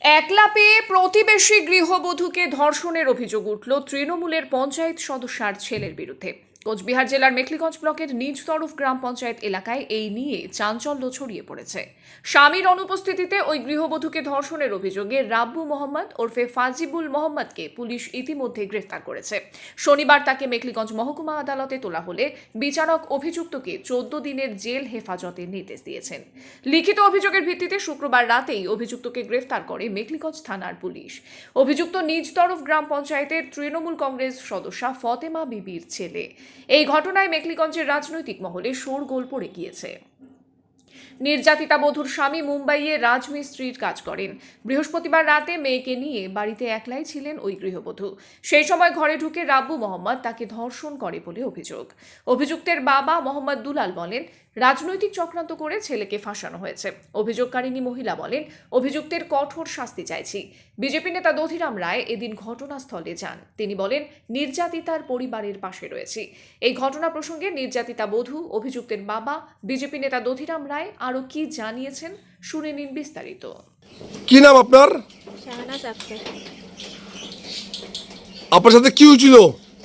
একলা পেয়ে প্রতিবেশী গৃহবধূকে ধর্ষণের অভিযোগ উঠল তৃণমূলের পঞ্চায়েত সদস্যার ছেলের বিরুদ্ধে। কোচবিহার জেলার মেখলিগঞ্জ ব্লকের নিজ তরফ গ্রাম পঞ্চায়েত এলাকায় এই নিয়ে চাঞ্চল্য ছড়িয়ে পড়েছে। স্বামীর অনুপস্থিতিতে ওই গৃহবধূকে ধর্ষণের অভিযোগে রাব্বু মোহাম্মদ ওরফে ফাজিবুল মোহাম্মদকে পুলিশ ইতিমধ্যে গ্রেফতার করেছে। শনিবার তাকে মেখলিগঞ্জ মহকুমা আদালতে তোলা হলে বিচারক অভিযুক্তকে 14 দিনের জেল হেফাজতের নির্দেশ দিয়েছেন। লিখিত অভিযোগের ভিত্তিতে শুক্রবার রাতেই অভিযুক্তকে গ্রেফতার করে মেখলিগঞ্জ থানার পুলিশ। অভিযুক্ত নিজ তরফ গ্রাম পঞ্চায়েতের তৃণমূল কংগ্রেস সদস্যা ফতেমা বিবির ছেলে। এই ঘটনায় মেখলিগঞ্জের রাজনৈতিক মহলে শোরগোল পড়ে গিয়েছে। নির্যাতিতা বধূর স্বামী মুম্বাইয়ে রাজমিস্ত্রির কাজ করেন। বৃহস্পতিবার রাতে মেয়েকে নিয়ে বাড়িতে একলাই ছিলেন ওই গৃহবধূ। সেই সময় ঘরে ঢুকে রাব্বু মোহাম্মদ তাকে ধর্ষণ করে বলে অভিযোগ। অভিযুক্তের বাবা মোহাম্মদ দুলাল বলেন, রাজনৈতিক চক্রান্ত করে ছেলেকে ফাঁসানো হয়েছে। অভিযোগকারিণী মহিলা বলেন, অভিযুক্তের কঠোর শাস্তি চাইছি। বিজেপি নেতা দধিরাম রায় এদিন ঘটনাস্থলে যান। তিনি বলেন, নির্যাতিতার পরিবারের পাশে রয়েছে। এই ঘটনা প্রসঙ্গে নির্যাতিতা বধূ, অভিযুক্তের বাবা, বিজেপি নেতা দধিরাম রায় আরো কি জানিয়েছেন শুনে নিন বিস্তারিত। কি নাম আপনার? শাহনাজ আক্তার। আপনার সাথে কি হয়েছিল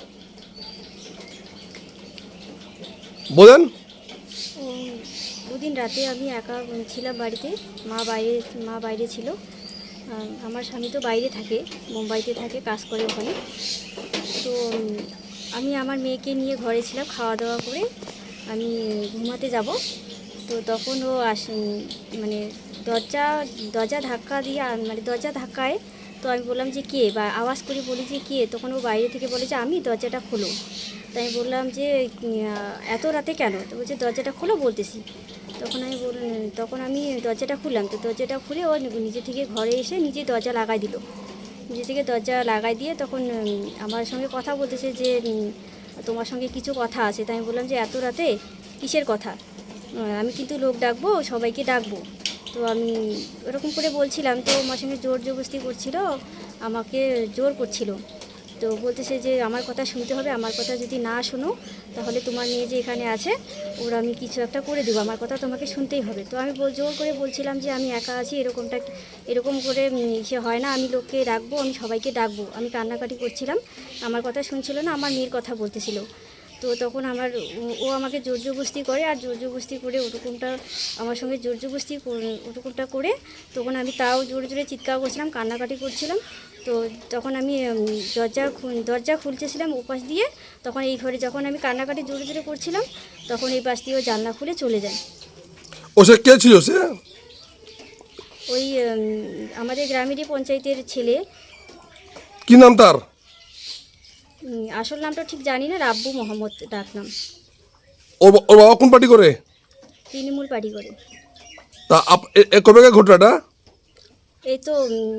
বলেন? দুদিন রাতে আমি একা ছিলাম বাড়িতে, মা বাইরে ছিল। আমার স্বামী তো বাইরে থাকে, মুম্বাইতে থাকে, কাজ করে ওখানে। তো আমি আমার মেয়েকে নিয়ে ঘরে ছিলাম, খাওয়া দাওয়া করে আমি ঘুমাতে যাব। তো তখন ও মানে দরজা ধাক্কা দিয়ে, মানে দরজা ধাক্কায়। তো আমি বললাম যে কে, বা আওয়াজ করে বলি যে কে। তখন ও বাইরে থেকে বলে যে আমি, দরজাটা খোলো। তাই আমি বললাম যে এত রাতে কেন? তো বলছে দরজাটা খোলো বলতেছি। তখন আমি দরজাটা খুললাম। তো দরজাটা খুলে ও নিজে থেকে ঘরে এসে নিজে দরজা লাগাই দিল। নিজে থেকে দরজা লাগাই দিয়ে তখন আমার সঙ্গে কথা বলতেছে যে তোমার সঙ্গে কিছু কথা আছে। তাই আমি বললাম যে এত রাতে কিসের কথা? আমি কিন্তু লোক ডাকবো, সবাইকে ডাকবো। তো আমি ওরকম করে বলছিলাম। তো আমার সঙ্গে জোর জবরদস্তি করছিল, আমাকে জোর করছিল। তো বলতেছে যে আমার কথা শুনতে হবে, আমার কথা যদি না শোনো তাহলে তোমার মেয়ে যে এখানে আছে ওর আমি কিছু একটা করে দেবো, আমার কথা তোমাকে শুনতেই হবে। তো আমি জোর করে বলছিলাম যে আমি একা আছি, এরকম করে সে হয় না, আমি লোককে ডাকবো, আমি সবাইকে ডাকবো। আমি কান্নাকাটি করছিলাম, আমার কথা শুনছিল না, আমার মেয়ের কথা বলতেছিল। তো তখন ও আমাকে জোর জবরদস্তি করে, আর জোর জবরদস্তি করে আমার সঙ্গে জোর জবরদস্তি ওরকমটা করে তখন আমি তাও জোরে জোরে চিৎকার করছিলাম, কান্নাকাটি করছিলাম। তো তখন আমি দরজা খুলতেছিলাম ওপাশ দিয়ে। তখন এই ঘরে যখন আমি কান্নাকাটি জোরে জোরে করছিলাম, তখন এই পাশ দিয়ে ও জানলা খুলে চলে যায়। ও সে কে ছিল? সে ওই আমাদের গ্রামেরই পঞ্চায়েতের ছেলে। কি নাম তার? আসল নামটা ঠিক জানি না, রাব্বু মোহাম্মদ ডাকনাম। ওর বাবা কোন পার্টি করে? তৃণমূল পার্টি করে। তা কবে ঘটনাটা? এই তো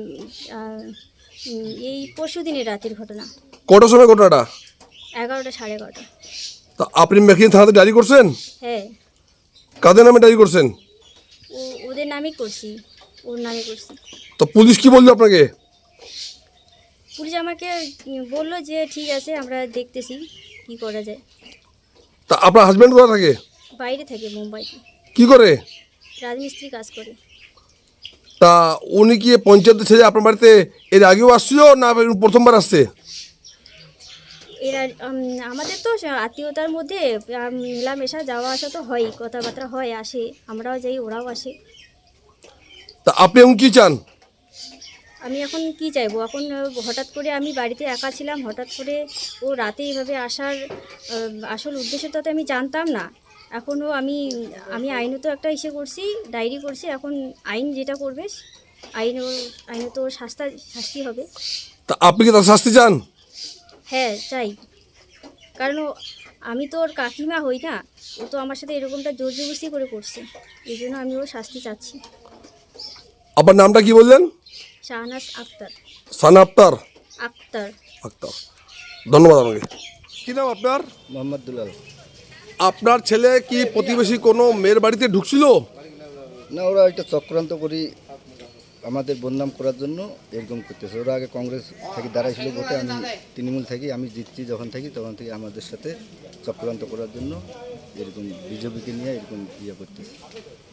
এই পরশু দিনের রাতের ঘটনা। কটার সময় ঘটনাটা? 11টা, 11:30। তা আপনি মেখলিন থানাতে ডায়েরি করছেন? হ্যাঁ। কাদের নামে ডায়েরি করছেন? ওদের নামই করছি, ওর নামে করছি। তো পুলিশ কি বললো আপনাকে? পুলিশ আমাকে বললো যে ঠিক আছে, আমরা দেখতেছি কি করা যায়। তা আপনার হাজব্যান্ড কোথায় থাকে? বাইরে থাকে, মুম্বাইতে কি করে? রাজমিস্ত্রি কাজ করে। তা উনি কি পঞ্চায়েত ছেড়ে আপনার বাড়িতে এর আগেও আসছিল না প্রথমবার আসছে? এরা আমাদের তো আত্মীয়তার মধ্যে মেলামেশা, যাওয়া আসা তো হয়ই, কথাবার্তা হয়, আসে, আমরাও যাই, ওরাও আসে। তা আপনি এখন কি চান? আমি এখন কি চাইবো? এখন হঠাৎ করে আমি বাড়িতে একা ছিলাম, হঠাৎ করে ও রাতে এইভাবে আসার আসল উদ্দেশ্যটা তো আমি জানতাম না। এখনও আমি আইনত একটা করছি, ডায়েরি করছি। এখন আইন যেটা করবে, আইনত ওর শাস্তি হবে। তা আপনি কি তার শাস্তি চান? হ্যাঁ, চাই। কারণ আমি তো ওর কাকিমা হই না, ও তো আমার সাথে এরকমটা জোর জবরদস্তি করে করছে। এই জন্য আমি ওর শাস্তি চাচ্ছি। আপনার নামটা কি বললেন? শাহনাজ আক্তার। সানা আক্তার। আক্তার। আক্তার, ধন্যবাদ আমাকে। কি নাম আপনার? মোহাম্মদ দুলাল। আপনার ছেলে কি প্রতিবেশী কোনো মেয়ের বাড়িতে ঢুকছিল? না, ওরা একটা চক্রান্ত করি আমাদের বদনাম করার জন্য এরকম করতেছে। ওরা আগে কংগ্রেস থেকে দাঁড়াইছিল ভোটে, আমি তৃণমূল থাকি, আমি জিতছি যখন থাকি তখন থেকে আমাদের সাথে চক্রান্ত করার জন্য এরকম বিজেপিকে নিয়ে এরকম করতেছে।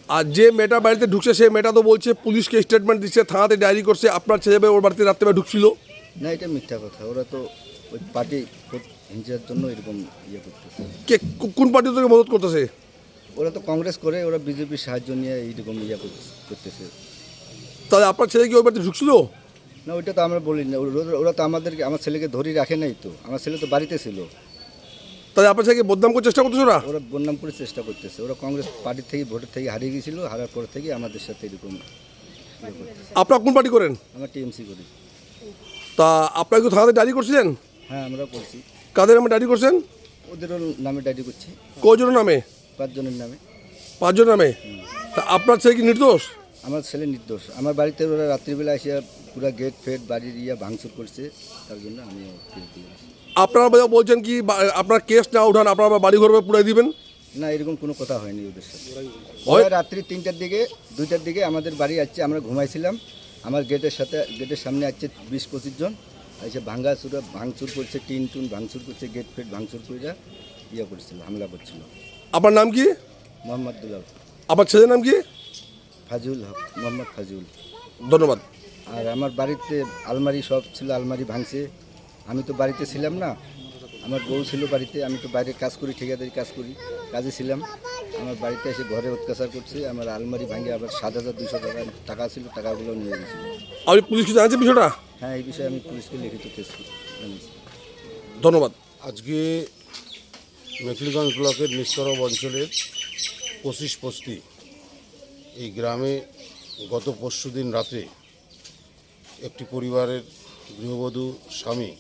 আর যে মেয়েটা বাড়িতে ঢুকছে সেই মেয়েটা তো বলছে পুলিশকে স্টেটমেন্ট দিচ্ছে, থানাতে ডায়েরি করছে, আপনার ছেলে মেয়ে ওর বাড়িতে রাত্রেবেলা ঢুকছিল। না, এটা মিথ্যা কথা। ওরা তো ওই পার্টি হিংসার জন্য এরকম ইয়ে করতেছে। কে কোন পার্টি থেকে মদত করতেছে? ওরা তো কংগ্রেস করে, ওরা বিজেপির সাহায্য নিয়ে এইরকম ইয়ে করতেছে। তাহলে আপনার ছেলে কি ওই বাড়িতে ঢুকছিল? না, ওইটা তো আমরা বলি না। ওরা তো আমাদেরকে, আমার ছেলেকে ধরে রাখে নাই তো। আমার ছেলে তো বাড়িতে ছিল। তাহলে আপনার ছেলেকে বদনাম করার চেষ্টা করতেছে ওরা? ওরা বদনাম করে চেষ্টা করতেছে। ওরা কংগ্রেস পার্টির থেকে, ভোটের থেকে হারিয়ে গিয়েছিল। হারার পর থেকে আমাদের সাথে এরকম ইয়ে করতেছে। আপনারা কোন পার্টি করেন? আমরা টিএমসি করি। তা আপনারা কি থানাতে ডায়েরি করছিলেন? হ্যাঁ, আমরা করছি। কাদের নামে ডায়েরি করছেন? ওদেরও নামে ডায়েরি করছি, কয়জনের নামে? 5 জনের নামে। 5 জনের নামে। তা আপনার ছেলে কি নির্দোষ? আমার ছেলে নির্দোষ। আমার বাড়িতে ওরা রাত্রিবেলা এসে পুরো গেট ফেট বাড়ির ভাঙচুর করছে, তার জন্য আমি কেস দিয়েছি। আপনারা বলছেন কি আপনার কেস না উঠান আপনারা বাড়ি ঘর পুরাই দিবেন? না, এরকম কোনো কথা হয়নি ওদের সাথে। ওরা রাত্রি 3টার দিকে 2টার দিকে আমাদের বাড়ি আসছে, আমরা ঘুমাইছিলাম। আমার গেটের সামনে আসছে 20-25 জন এসে ভাঙচুর করছে, টিন ভাঙচুর করছে, গেট ফেট ভাঙচুর করে ইয়ে করছিল, হামলা করছিল। আপনার নাম কি? মোহাম্মদ দুলাল। আপনার ছেলের নাম কি? ফাজিউল হক, মোহাম্মদ ফাজিউল। ধন্যবাদ। আর আমার বাড়িতে আলমারি সব ছিল, আলমারি ভাঙছে। আমি তো বাড়িতে ছিলাম না, আমার বউ ছিল বাড়িতে। আমি তো বাইরে কাজ করি, ঠিকাদারি কাজ করি, কাজে ছিলাম। আমার বাড়িতে এসে ঘরে অত্যাচার করছে। আমার আলমারি ভাঙে আবার 7,200 টাকা ছিল, টাকাগুলো নিয়ে গেছিল। আপনি পুলিশকে জানাচ্ছেন বিষয়টা? হ্যাঁ, এই বিষয়ে আমি পুলিশকে লিখিত কেস জানিয়েছি। ধন্যবাদ। আজকে মেখলিগঞ্জ ব্লকের নিস্তরব অঞ্চলের 25 বস্তি এই গ্রামে গত পরশুদিন রাতে একটি পরিবারের গৃহবধূ স্বামী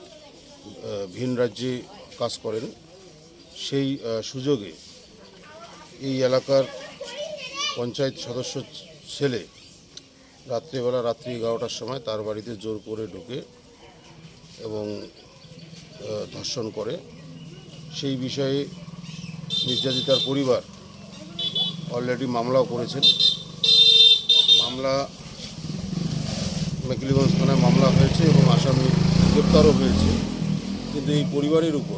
ভিন রাজ্যে কাজ করেন। সেই সুযোগে এই এলাকার পঞ্চায়েত সদস্য ছেলে রাত্রি 11টার সময় তার বাড়িতে জোর করে ঢুকে এবং ধর্ষণ করে। সেই বিষয়ে নির্যাতিতার পরিবার অলরেডি মামলাও করেছেন। মামলা মেখলিগঞ্জ থানায় মামলা হয়েছে এবং আসামি গ্রেপ্তারও হয়েছে। কিন্তু এই পরিবারের উপর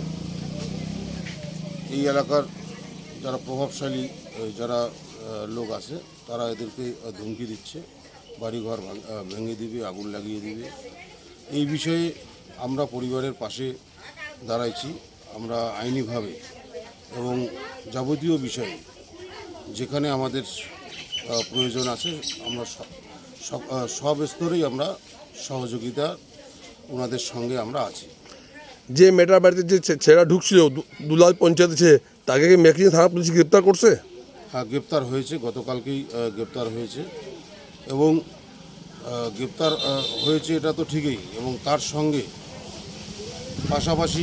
এই এলাকার যারা প্রভাবশালী যারা লোক আছে তারা এদেরকে ধমকি দিচ্ছে, বাড়িঘর ভেঙে দিবে, আগুন লাগিয়ে দিবে। এই বিষয়ে আমরা পরিবারের পাশে দাঁড়াইছি। আমরা আইনিভাবে এবং যাবতীয় বিষয়ে যেখানে আমাদের প্রয়োজন আছে আমরা সব স্তরেই আমরা সহযোগিতা ওনাদের সঙ্গে আমরা আছি। যে মেয়েটার বাড়িতে যে ছেলেরা ঢুকছিল দুলাল পঞ্চায়েতে, তাকে কি মেখলিগঞ্জ থানা পুলিশ গ্রেপ্তার করছে? হ্যাঁ, গ্রেপ্তার হয়েছে, গতকালকেই গ্রেপ্তার হয়েছে। এবং গ্রেপ্তার হয়েছে এটা তো ঠিকই, এবং তার সঙ্গে পাশাপাশি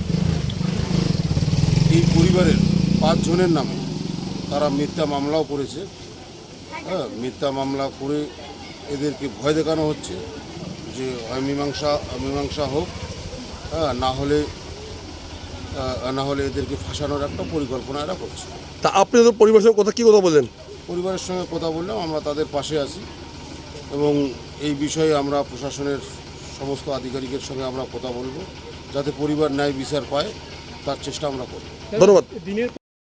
এই পরিবারের 5 জনের নামে তারা মিথ্যা মামলাও করেছে। হ্যাঁ, মিথ্যা মামলা করে এদেরকে ভয় দেখানো হচ্ছে যে হয় মীমাংসা হোক, হ্যাঁ, না হলে এদেরকে ফাঁসানোর একটা পরিকল্পনা এরা করছে। তা আপনি তো পরিবারের সঙ্গে কি কথা বললেন? পরিবারের সঙ্গে কথা বললাম, আমরা তাদের পাশে আছি এবং এই বিষয়ে আমরা প্রশাসনের সমস্ত আধিকারিকের সঙ্গে আমরা কথা বলবো যাতে পরিবার ন্যায় বিচার পায়, তার চেষ্টা আমরা করব। ধন্যবাদ।